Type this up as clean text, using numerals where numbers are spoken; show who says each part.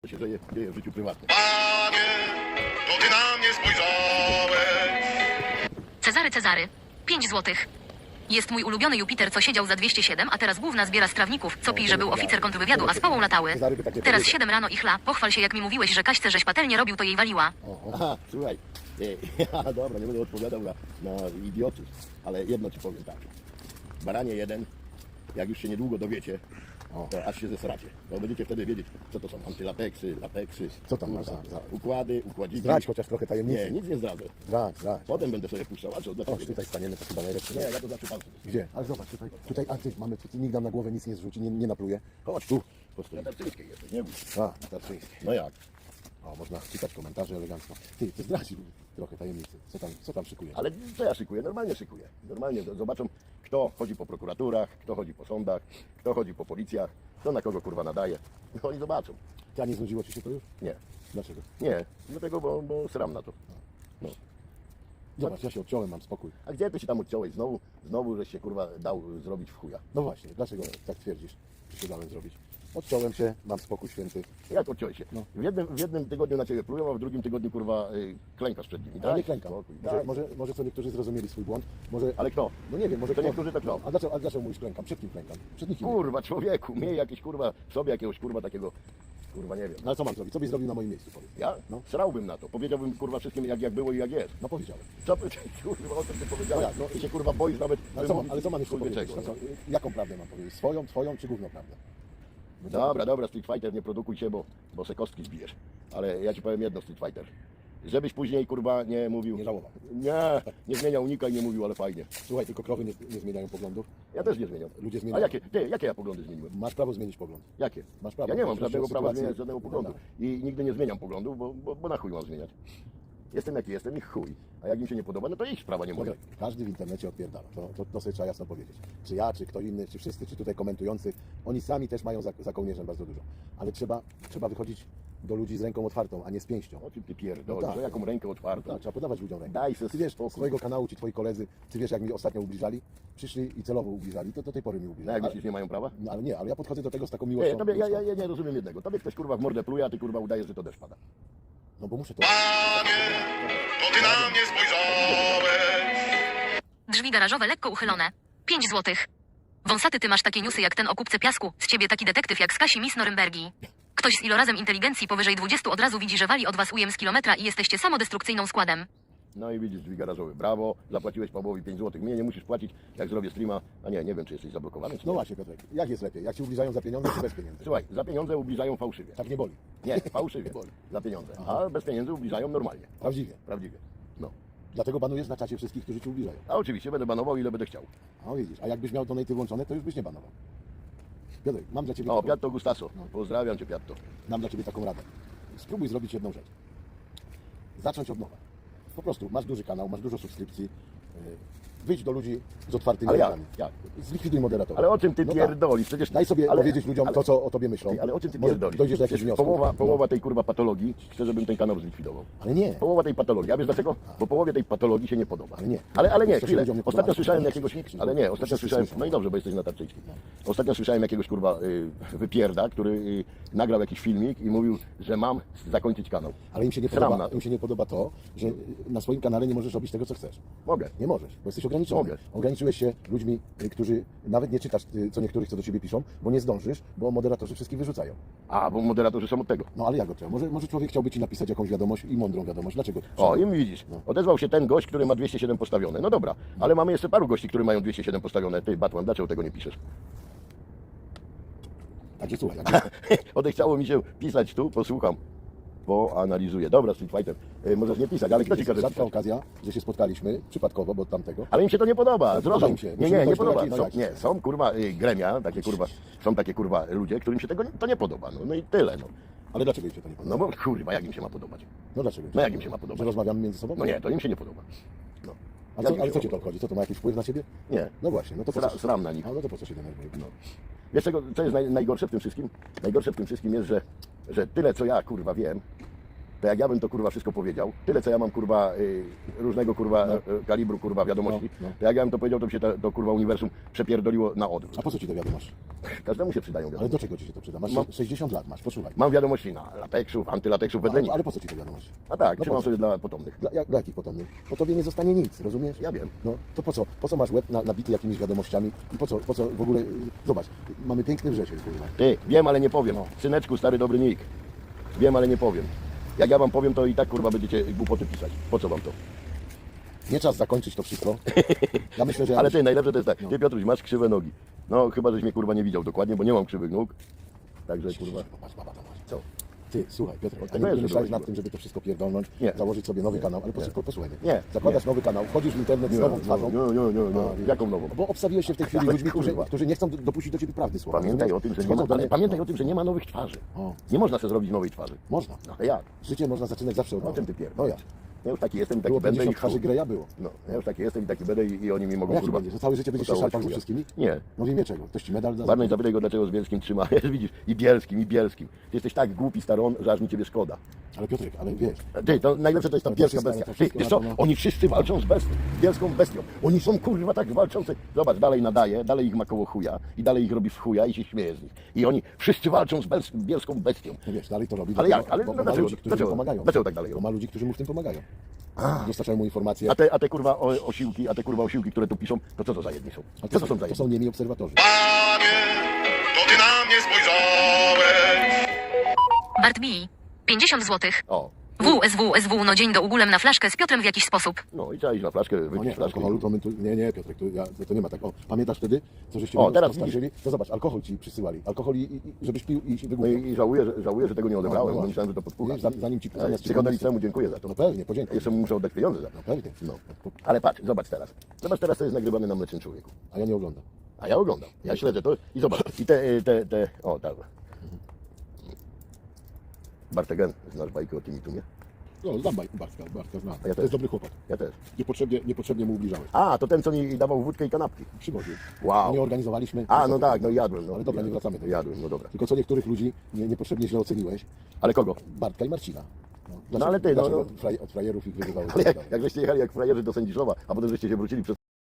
Speaker 1: To się dzieje w życiu prywatnym.
Speaker 2: Panie, to ty na mnie spojrzałeś.
Speaker 3: Cezary, 5 złotych. Jest mój ulubiony Jupiter, co siedział za 207, a teraz główna zbiera z trawników. Co pij, że był oficer kontrwywiadu, a z pałą latały. Teraz 7 rano i chla. Pochwal się, jak mi mówiłeś, że Kaśce żeś patelnie robił, to jej waliła.
Speaker 1: Aha, słuchaj. Dobra, nie będę odpowiadał na idiotów, ale jedno ci powiem tak. Baranie jeden, jak już się niedługo dowiecie, to aż się zesracie. Bo będziecie wtedy wiedzieć, co to są antylateksy, lateksy.
Speaker 4: Co tam masz za
Speaker 1: układy, układziki.
Speaker 4: Zdradź chociaż trochę tajemnicy.
Speaker 1: Nie, nic nie zdradzę.
Speaker 4: Zdradź.
Speaker 1: Potem będę sobie puszczał, a co? Dlaczego?
Speaker 4: Chodź, tutaj staniemy, to chyba najlepsze.
Speaker 1: Nie, ja to zawsze pan.
Speaker 4: Gdzie? Ale zobacz, tutaj aktyw mamy, tu nikt nam na głowę nic nie zrzuci, nie napluje. Chodź tu.
Speaker 1: Na Tarczyńskiej jesteś, nie bój.
Speaker 4: A, na Tarczyńskiej.
Speaker 1: No jak?
Speaker 4: O, można czytać komentarze elegancko. Ty zdradź trochę tajemnicy. Co tam szykuje?
Speaker 1: Ale co ja szykuję? Normalnie szykuję. Normalnie zobaczą, kto chodzi po prokuraturach, kto chodzi po sądach, kto chodzi po policjach, kto na kogo kurwa nadaje. No oni zobaczą.
Speaker 4: Ty, a nie znudziło ci się to już?
Speaker 1: Nie,
Speaker 4: Dlaczego?
Speaker 1: nie, dlatego, bo sram na to. No.
Speaker 4: Zobacz, ja się odciąłem, mam spokój.
Speaker 1: A gdzie ty się tam odciąłeś? Znowu żeś się kurwa dał zrobić w chuja.
Speaker 4: No właśnie, dlaczego tak twierdzisz, że się dałem zrobić? Odciąłem się, mam spokój święty.
Speaker 1: Jak odciąłeś się?
Speaker 4: No.
Speaker 1: W jednym tygodniu na ciebie plują, a w drugim tygodniu kurwa klękasz przed nimi.
Speaker 4: Ale
Speaker 1: Tak?
Speaker 4: nie klękam.
Speaker 1: Spokój,
Speaker 4: Może,
Speaker 1: tak.
Speaker 4: może co niektórzy zrozumieli swój błąd. Może...
Speaker 1: Ale kto?
Speaker 4: No nie wiem, może
Speaker 1: To
Speaker 4: kto...
Speaker 1: niektórzy tak robią.
Speaker 4: A dlaczego mówisz klękam? Przed kim klękam? Przed nikim.
Speaker 1: Kurwa człowieku, miej jakieś kurwa, sobie jakiegoś kurwa takiego, kurwa nie wiem.
Speaker 4: No ale co mam zrobić? Co byś zrobił na moim miejscu, powiedz?
Speaker 1: Ja?
Speaker 4: No.
Speaker 1: Srałbym na to. Powiedziałbym kurwa wszystkim jak było i jak jest.
Speaker 4: No powiedziałem.
Speaker 1: Co ty kurwa o tym ty powiedziałeś?
Speaker 4: No jak?
Speaker 1: Ty się kurwa boisz nawet.
Speaker 4: Ale co mam jeszcze
Speaker 1: kurwa
Speaker 4: powiedzieć?
Speaker 1: czego,
Speaker 4: No co, jaką prawdę mam powiedzieć? Swoją, twoją czy gówno prawdę?
Speaker 1: Dobra, Street Fighter, nie produkuj się, bo se kostki zbijesz. Ale ja ci powiem jedno, Street Fighter. Żebyś później kurwa nie mówił.
Speaker 4: Nie żałował.
Speaker 1: Nie zmieniał unika i nie mówił, ale fajnie.
Speaker 4: Słuchaj, tylko krowy nie zmieniają poglądów.
Speaker 1: Ja też nie zmieniam.
Speaker 4: Ludzie
Speaker 1: A
Speaker 4: zmieniają.
Speaker 1: jakie ja poglądy zmieniłem?
Speaker 4: Masz prawo zmienić pogląd.
Speaker 1: Jakie?
Speaker 4: Masz prawo.
Speaker 1: Ja nie mam
Speaker 4: Proszę,
Speaker 1: żadnego prawa
Speaker 4: sytuację-
Speaker 1: zmieniać żadnego poglądu.
Speaker 4: Dobra.
Speaker 1: I nigdy nie zmieniam poglądów, bo na chuj mam zmieniać. Jestem jaki jestem i chuj. A jak im się nie podoba, no to ich sprawa, nie moja.
Speaker 4: Słuchaj, każdy w internecie odpierdala. To sobie trzeba jasno powiedzieć. Czy ja, czy kto inny, czy wszyscy, czy tutaj komentujący, oni sami też mają za kołnierzem bardzo dużo. Ale trzeba wychodzić do ludzi z ręką otwartą, a nie z pięścią.
Speaker 1: O czym ty pierdolisz?
Speaker 4: No tak.
Speaker 1: To jaką rękę otwartą?
Speaker 4: Tak, trzeba podawać ludziom rękę.
Speaker 1: Daj se
Speaker 4: Ty wiesz,
Speaker 1: spokój.
Speaker 4: z twojego kanału ci twoi koledzy, ty wiesz jak mi ostatnio ubliżali? Przyszli i celowo ubliżali, to do tej pory mi
Speaker 1: No
Speaker 4: ubliżali.
Speaker 1: jak myślisz, nie mają prawa?
Speaker 4: No, ale nie, ale ja podchodzę do tego z taką
Speaker 1: Nie,
Speaker 4: miłością.
Speaker 1: ja nie rozumiem jednego. Tobie ktoś kurwa w mordę pluje, a ty kurwa udajesz, że to deszcz pada.
Speaker 4: No bo muszę to...
Speaker 2: Panie, to ty na mnie spojrzałeś.
Speaker 3: Drzwi garażowe lekko uchylone. 5 złotych. Wąsaty, ty masz takie newsy jak ten o kupce piasku. Z ciebie taki detektyw jak z Kasi Miss Norymbergi. Ktoś z ilorazem inteligencji powyżej 20 od razu widzi, że wali od was ujem z kilometra i jesteście samodestrukcyjną składem.
Speaker 1: No i widzisz, drzwi garażowe. Brawo, zapłaciłeś Pawłowi 5 zł. Mnie nie musisz płacić, jak zrobię streama. A nie wiem, czy jesteś zablokowany, czy
Speaker 4: No
Speaker 1: nie.
Speaker 4: właśnie, Piotrek, jak jest lepiej? Jak ci ubliżają za pieniądze, czy bez pieniędzy?
Speaker 1: Słuchaj, za pieniądze ubliżają fałszywie.
Speaker 4: Tak nie boli.
Speaker 1: Nie, fałszywie. Za pieniądze. A bez pieniędzy ubliżają normalnie.
Speaker 4: Prawdziwie.
Speaker 1: Prawdziwie. No.
Speaker 4: Dlatego banujesz na czacie wszystkich, którzy ci ubliżają.
Speaker 1: A oczywiście będę banował, ile będę chciał.
Speaker 4: A widzisz, a jakbyś miał donaty włączone, to już byś nie banował. Piotrek, mam dla ciebie,
Speaker 1: O, Piatto Gustaso. Pozdrawiam cię, Piatto.
Speaker 4: mam dla ciebie taką radę. Spróbuj zrobić jedną rzecz. Zacząć od nowa. Po prostu masz duży kanał, masz dużo subskrypcji. Wyjdź do ludzi z otwartymi
Speaker 1: Ale jak?
Speaker 4: rękami.
Speaker 1: Jak?
Speaker 4: Zlikwiduj moderatora.
Speaker 1: Ale o czym ty
Speaker 4: No
Speaker 1: pierdolisz? Przecież...
Speaker 4: Daj sobie
Speaker 1: ale,
Speaker 4: powiedzieć ludziom
Speaker 1: ale,
Speaker 4: to, co o tobie myślą.
Speaker 1: Ale o czym ty
Speaker 4: Może
Speaker 1: pierdolisz?
Speaker 4: dojdziesz do jakichś
Speaker 1: Przecież
Speaker 4: wniosków.
Speaker 1: połowa tej kurwa patologii chce, żebym ten kanał zlikwidował.
Speaker 4: Ale nie.
Speaker 1: Połowa tej patologii. A wiesz dlaczego? Bo połowie tej patologii się nie podoba.
Speaker 4: Ale nie.
Speaker 1: Ale nie,
Speaker 4: To się
Speaker 1: chwilę.
Speaker 4: ludziom nie podoba.
Speaker 1: Ostatnio słyszałem
Speaker 4: Nie
Speaker 1: jakiegoś...
Speaker 4: krzyż,
Speaker 1: Ale nie, ostatnio
Speaker 4: wszyscy
Speaker 1: słyszałem...
Speaker 4: słyszą.
Speaker 1: No i dobrze, bo jesteś na Tarczyńskiej. Ostatnio słyszałem jakiegoś kurwa wypierda, który nagrał jakiś filmik i mówił, że mam zakończyć kanał.
Speaker 4: Ale im się nie
Speaker 1: Sram
Speaker 4: podoba,
Speaker 1: na to.
Speaker 4: im się nie podoba to, że na swoim kanale nie możesz robić tego, co chcesz.
Speaker 1: Mogę.
Speaker 4: Nie możesz, bo jesteś ograniczony.
Speaker 1: Mogę.
Speaker 4: Ograniczyłeś się ludźmi, którzy nawet nie czytasz co niektórych, co do ciebie piszą, bo nie zdążysz, bo moderatorzy wszystkich wyrzucają.
Speaker 1: A, bo moderatorzy są od tego.
Speaker 4: No ale jak go trzeba? Może człowiek chciałby ci napisać jakąś wiadomość i mądrą wiadomość. Dlaczego?
Speaker 1: O, i widzisz, odezwał się ten gość, który ma 207 postawione. No dobra, ale mamy jeszcze paru gości, którzy mają 207 postawione. Ty, Batman, dlaczego tego nie piszesz?
Speaker 4: Także słuchaj,
Speaker 1: Odechciało mi się pisać tu, posłucham, poanalizuję. Dobra, Street Fighter, możesz nie pisać, ale kto ci każe
Speaker 4: rzadka
Speaker 1: pisać?
Speaker 4: okazja, że się spotkaliśmy przypadkowo, bo od tamtego.
Speaker 1: Ale im się to nie podoba,
Speaker 4: Podoba
Speaker 1: zrozum.
Speaker 4: im się.
Speaker 1: Nie,
Speaker 4: Musimy
Speaker 1: nie
Speaker 4: dojść do
Speaker 1: podoba.
Speaker 4: jakiej- no
Speaker 1: Są,
Speaker 4: jak?
Speaker 1: nie, są kurwa gremia, są takie kurwa ludzie, którym się to nie podoba. No i tyle, no.
Speaker 4: Ale dlaczego im się to nie podoba?
Speaker 1: No bo kurwa, jak im się ma podobać?
Speaker 4: No dlaczego?
Speaker 1: No jak im się ma podobać?
Speaker 4: Że rozmawiamy między sobą?
Speaker 1: No nie, to im się nie podoba. No.
Speaker 4: Ale co cię to obchodzi? Co to ma jakiś wpływ na ciebie?
Speaker 1: Nie.
Speaker 4: No właśnie, no to po co?
Speaker 1: Sram na nich.
Speaker 4: A no to po co się denerwuje?
Speaker 1: No. Wiesz co jest najgorsze w tym wszystkim? Najgorsze w tym wszystkim jest, że tyle co ja kurwa wiem, to jak ja bym to kurwa wszystko powiedział, tyle co ja mam kurwa różnego kurwa kalibru kurwa wiadomości,
Speaker 4: No, no.
Speaker 1: to jak ja bym to powiedział, to by się to kurwa uniwersum przepierdoliło na odwrót.
Speaker 4: A po co ci to wiadomość?
Speaker 1: Każdemu się przydają
Speaker 4: Ale
Speaker 1: wiadomości.
Speaker 4: do czego ci się to przyda? Masz
Speaker 1: Mam-
Speaker 4: 60 lat, masz, posłuchaj.
Speaker 1: Mam wiadomości na lateksów, antylateksów, wedle
Speaker 4: Ale po co ci to wiadomość?
Speaker 1: A tak,
Speaker 4: No
Speaker 1: trzymam
Speaker 4: po co?
Speaker 1: sobie dla potomnych.
Speaker 4: Dla jakich potomnych? Po tobie nie zostanie nic, rozumiesz?
Speaker 1: Ja wiem.
Speaker 4: No to po co? Po co masz łeb nabity jakimiś wiadomościami? I po co w ogóle... Zobacz, mamy piękny wrzesień, kurwa.
Speaker 1: Ty, wiem, ale nie powiem.
Speaker 4: No.
Speaker 1: Syneczku, stary dobry Nick. Wiem, ale nie powiem. Jak ja wam powiem, to i tak kurwa będziecie głupoty pisać. Po co wam to?
Speaker 4: Nie czas zakończyć to wszystko. Ja myślę, że... ja
Speaker 1: Ale
Speaker 4: myślę-
Speaker 1: ty, najlepsze to jest tak.
Speaker 4: No.
Speaker 1: Ty Piotruś, masz krzywe nogi. No chyba, żeś mnie kurwa nie widział dokładnie, bo nie mam krzywych nóg. Także kurwa.
Speaker 4: Popatrz, baba, zobacz.
Speaker 1: Co?
Speaker 4: Ty, słuchaj, Piotr, a
Speaker 1: to
Speaker 4: nie
Speaker 1: jest
Speaker 4: myślałeś
Speaker 1: dobra
Speaker 4: nad tym, żeby to wszystko pierdolnąć,
Speaker 1: Nie.
Speaker 4: założyć sobie nowy kanał, ale
Speaker 1: Nie.
Speaker 4: posłuchaj mnie.
Speaker 1: Nie.
Speaker 4: Zakładasz
Speaker 1: Nie.
Speaker 4: nowy kanał, wchodzisz w internet z nową twarzą.
Speaker 1: Nie.
Speaker 4: wiesz.
Speaker 1: Jaką nową?
Speaker 4: Bo obstawiłeś się w tej chwili
Speaker 1: Ale
Speaker 4: ludźmi,
Speaker 1: kurwa.
Speaker 4: którzy nie chcą dopuścić do ciebie prawdy słowa.
Speaker 1: Pamiętaj
Speaker 4: rozumiesz?
Speaker 1: o tym, że nie
Speaker 4: Schodzą
Speaker 1: ma,
Speaker 4: do
Speaker 1: ale
Speaker 4: mnie-
Speaker 1: pamiętaj
Speaker 4: no.
Speaker 1: o tym, że nie ma nowych twarzy.
Speaker 4: O.
Speaker 1: Nie można sobie zrobić nowej twarzy.
Speaker 4: Można.
Speaker 1: No ale jak?
Speaker 4: Życie można zaczynać zawsze od
Speaker 1: O
Speaker 4: nowa.
Speaker 1: czym ty pierdolisz?
Speaker 4: No ja.
Speaker 1: Ja już taki jestem i taki
Speaker 4: Było
Speaker 1: będę
Speaker 4: 50
Speaker 1: i
Speaker 4: twarzy
Speaker 1: chuj.
Speaker 4: Greya było.
Speaker 1: No, ja już taki jestem i taki będę i oni mi mogą
Speaker 4: No jak
Speaker 1: kurwa...
Speaker 4: będzie? Że całe życie będziesz się
Speaker 1: pocałować
Speaker 4: szarpał ze
Speaker 1: chuja.
Speaker 4: wszystkimi?
Speaker 1: Nie.
Speaker 4: No w imię czego? Ktoś ci medal da?
Speaker 1: Barney, zapytaj go, dlaczego z Bielskim trzyma. Widzisz, i Bielskim. Ty jesteś tak głupi, staron, że aż mi ciebie szkoda.
Speaker 4: Ale Piotrek, ale wiesz,
Speaker 1: Ty, to najlepsze to jest ta
Speaker 4: To
Speaker 1: bielska
Speaker 4: wszystko-
Speaker 1: bestia.
Speaker 4: to
Speaker 1: Ty,
Speaker 4: wszystko
Speaker 1: wiesz
Speaker 4: na
Speaker 1: co,
Speaker 4: to, no.
Speaker 1: oni wszyscy walczą z bielską bestią. Oni są kurwa tak walczący. Zobacz, dalej nadaje, dalej ich ma koło chuja i dalej ich robi w chuja i się śmieje z nich. I oni wszyscy walczą z bielską bestią.
Speaker 4: no wiesz, dalej to robi.
Speaker 1: Ale
Speaker 4: dlatego-
Speaker 1: jak? Ale
Speaker 4: bo
Speaker 1: no
Speaker 4: ma
Speaker 1: dlaczego?
Speaker 4: ludzi, którzy
Speaker 1: Dlaczego?
Speaker 4: mu pomagają.
Speaker 1: Dlaczego tak dalej
Speaker 4: Bo
Speaker 1: robi?
Speaker 4: ma ludzi, którzy mu w tym pomagają. Dostarczają mu informacje.
Speaker 1: A te kurwa osiłki, które tu piszą, to co to za jedni są?
Speaker 4: A
Speaker 1: Co to są za
Speaker 4: to
Speaker 1: jedni?
Speaker 4: są niemi obserwatorzy.
Speaker 2: Panie, to ty na mnie spojrzałeś.
Speaker 3: Bart B. 50 zł.
Speaker 1: O,
Speaker 3: WSW, no dzień do ugólem na flaszkę z Piotrem w jakiś sposób.
Speaker 1: no i trzeba iść na flaszkę,
Speaker 4: No
Speaker 1: wypić
Speaker 4: nie,
Speaker 1: flaszkę.
Speaker 4: alkoholu to my tu... Nie, Piotrek, to nie ma tak. O, pamiętasz wtedy, co żeście
Speaker 1: O,
Speaker 4: mi
Speaker 1: teraz
Speaker 4: postarczyli? To zobacz, alkohol ci przysyłali. Alkohol, żebyś pił i się
Speaker 1: No
Speaker 4: wygłupiał.
Speaker 1: i żałuję, że tego nie odebrałem, bo myślałem, że to podpucha.
Speaker 4: Wiesz, zanim ci... zamiast ci
Speaker 1: Psychodelicznemu dziękuję za to.
Speaker 4: No pewnie, podziękuj.
Speaker 1: Jeszcze mu muszę oddać pieniądze za to.
Speaker 4: No pewnie.
Speaker 1: No. Ale patrz, zobacz teraz. Zobacz teraz, co jest nagrywane na Mlecznym Człowieku.
Speaker 4: A ja nie oglądam.
Speaker 1: A ja oglądam. Ja śledzę to i zobacz. I o tak. Bartek, znasz bajkę o tym i tu, nie?
Speaker 4: No, znam Bartka znam.
Speaker 1: ja
Speaker 4: To
Speaker 1: też.
Speaker 4: jest dobry chłopak.
Speaker 1: Ja też.
Speaker 4: Niepotrzebnie mu ubliżałeś.
Speaker 1: A, to ten, co mi dawał wódkę i kanapki.
Speaker 4: Przywoził.
Speaker 1: Wow.
Speaker 4: Nie organizowaliśmy.
Speaker 1: A, no tak, no jadłem. No.
Speaker 4: Ale dobra, nie wracamy do tego.
Speaker 1: Jadłem, no dobra.
Speaker 4: Tylko co niektórych ludzi niepotrzebnie źle oceniłeś.
Speaker 1: Ale kogo?
Speaker 4: Bartka i Marcina.
Speaker 1: No ale ty, no,
Speaker 4: dlaczego od frajerów ich wyzywałeś?
Speaker 1: Ale jak żeście jechali jak frajerzy do Sędziszowa, a potem żeście się wrócili przez